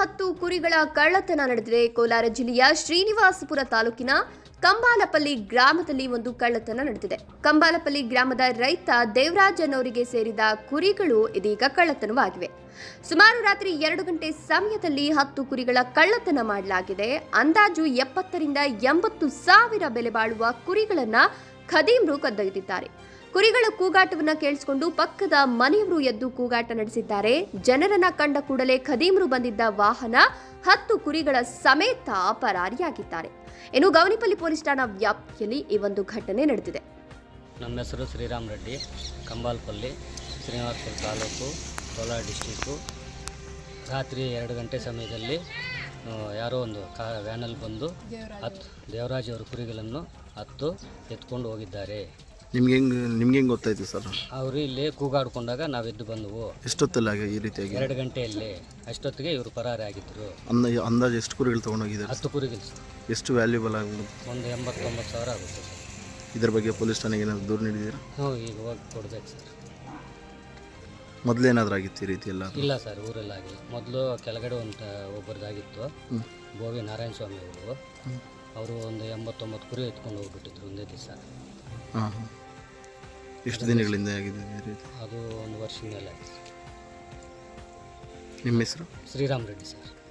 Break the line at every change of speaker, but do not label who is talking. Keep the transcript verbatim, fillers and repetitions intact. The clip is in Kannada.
ಹತ್ತು ಕುರಿಗಳ ಕಳ್ಳತನ ನಡೆದಿದೆ. ಕೋಲಾರ ಜಿಲ್ಲೆಯ ಶ್ರೀನಿವಾಸಪುರ ತಾಲೂಕಿನ ಕಂಬಾಲಪಲ್ಲಿ ಗ್ರಾಮದಲ್ಲಿ ಒಂದು ಕಳ್ಳತನ ನಡೆದಿದೆ. ಕಂಬಾಲಪಲ್ಲಿ ಗ್ರಾಮದ ರೈತ ದೇವರಾಜ್ ಅನ್ನೋರಿಗೆ ಸೇರಿದ ಕುರಿಗಳು ಇದೀಗ ಕಳ್ಳತನವಾಗಿವೆ. ಸುಮಾರು ರಾತ್ರಿ ಎರಡು ಗಂಟೆ ಸಮಯದಲ್ಲಿ ಹತ್ತು ಕುರಿಗಳ ಕಳ್ಳತನ ಮಾಡಲಾಗಿದೆ. ಅಂದಾಜು ಎಪ್ಪತ್ತರಿಂದ ಎಂಬತ್ತು ಸಾವಿರ ಬೆಲೆ ಬಾಳುವ ಕುರಿಗಳನ್ನ ಖದೀಮ್ರು ಕದ್ದೊಯ್ದಿದ್ದಾರೆ. ಕುರಿಗಳ ಕೂಗಾಟವನ್ನ ಕೇಳಿಸಿಕೊಂಡು ಪಕ್ಕದ ಮನೆಯವರು ಎದ್ದು ಕೂಗಾಟ ನಡೆಸಿದ್ದಾರೆ. ಜನರನ್ನ ಕಂಡ ಕೂಡಲೇ ಖದೀಮ್ರು ಬಂದಿದ್ದ ವಾಹನ ಹತ್ತು ಕುರಿಗಳ ಸಮೇತ ಪರಾರಿಯಾಗಿದ್ದಾರೆ. ಇನ್ನು ಗೌನಿಪಲ್ಲಿ ಪೊಲೀಸ್ ಠಾಣಾ ವ್ಯಾಪ್ತಿಯಲ್ಲಿ ಈ ಒಂದು ಘಟನೆ ನಡೆದಿದೆ.
ನಮ್ಮ ಹೆಸರು ಶ್ರೀರಾಮ್ ರೆಡ್ಡಿ, ಕಂಬಾಲಪಲ್ಲಿ, ಶ್ರೀನಿವಾಸಪುರ ತಾಲೂಕು, ಕೋಲಾರ ಡಿಸ್ಟಿಕ್ಕು. ರಾತ್ರಿ ಎರಡು ಗಂಟೆ ಸಮಯದಲ್ಲಿ ಯಾರೋ ಒಂದು ಕಾ ವ್ಯಾನಲ್ಲಿ ಬಂದು ಹತ್ತು ದೇವರಾಜ್ ಅವರ ಕುರಿಗಳನ್ನು ಹತ್ತು ಎತ್ಕೊಂಡು ಹೋಗಿದ್ದಾರೆ.
ನಿಮ್ಗೆ ಹೆಂಗೆ ನಿಮ್ಗೆ ಹೆಂಗೆ ಗೊತ್ತಾಯ್ತು ಸರ್?
ಅವರು ಇಲ್ಲಿ ಕೂಗಾಡ್ಕೊಂಡಾಗ ನಾವು ಎದ್ದು ಬಂದವು.
ಎಷ್ಟೊತ್ತಲ್ಲ ಈ ರೀತಿಯಾಗಿ?
ಎರಡು ಗಂಟೆಯಲ್ಲಿ. ಅಷ್ಟೊತ್ತಿಗೆ ಇವರು ಪರಾರಿ ಆಗಿದ್ದರು.
ಅಂದ ಅಂದಾಜು ಎಷ್ಟು ಕುರಿಗಳು ತೊಗೊಂಡೋಗಿದ್ದಾರೆ?
ಹತ್ತು ಕುರಿಗಳು ಸರ್.
ಎಷ್ಟು ವ್ಯಾಲ್ಯೂಬಲ್ ಆಗುತ್ತೆ?
ಒಂದು ಎಂಬತ್ತೊಂಬತ್ತು ಸಾವಿರ ಆಗುತ್ತೆ ಸರ್.
ಇದ್ರ ಬಗ್ಗೆ ಪೊಲೀಸ್ ಠಾಣೆಗೆ ಏನಾದ್ರು ದೂರು ನೀಡಿದ್ದೀರಾ?
ಹ್ಞೂ, ಈಗ ಹೋಗಿ ಕೊಡ್ಬೇಕು ಸರ್.
ಮೊದಲೇನಾದ್ರೂ ಆಗಿತ್ತು ಈ ರೀತಿ ಎಲ್ಲ?
ಇಲ್ಲ ಸರ್, ಊರಲ್ಲಾಗಿ ಮೊದಲು ಕೆಳಗಡೆ ಒಂದು ಒಬ್ಬರದಾಗಿತ್ತು. ಬೋವಿ ನಾರಾಯಣ ಸ್ವಾಮಿ ಅವರು ಅವರು ಒಂದು ಎಂಬತ್ತೊಂಬತ್ತು ಕುರಿ ಎತ್ಕೊಂಡು ಹೋಗ್ಬಿಟ್ಟಿದ್ರು ಒಂದೇ ದಿವಸ.
ಹಾಂ ಹಾಂ. ಎಷ್ಟು ದಿನಗಳಿಂದ ಆಗಿದೆ ರೀತಿ?
ಅದು ಒಂದು ವರ್ಷದ ಮೇಲೆ ಆಗಿದೆ.
ನಿಮ್ಮ ಹೆಸರು?
ಶ್ರೀರಾಮ್ ರೆಡ್ಡಿ ಸರ್.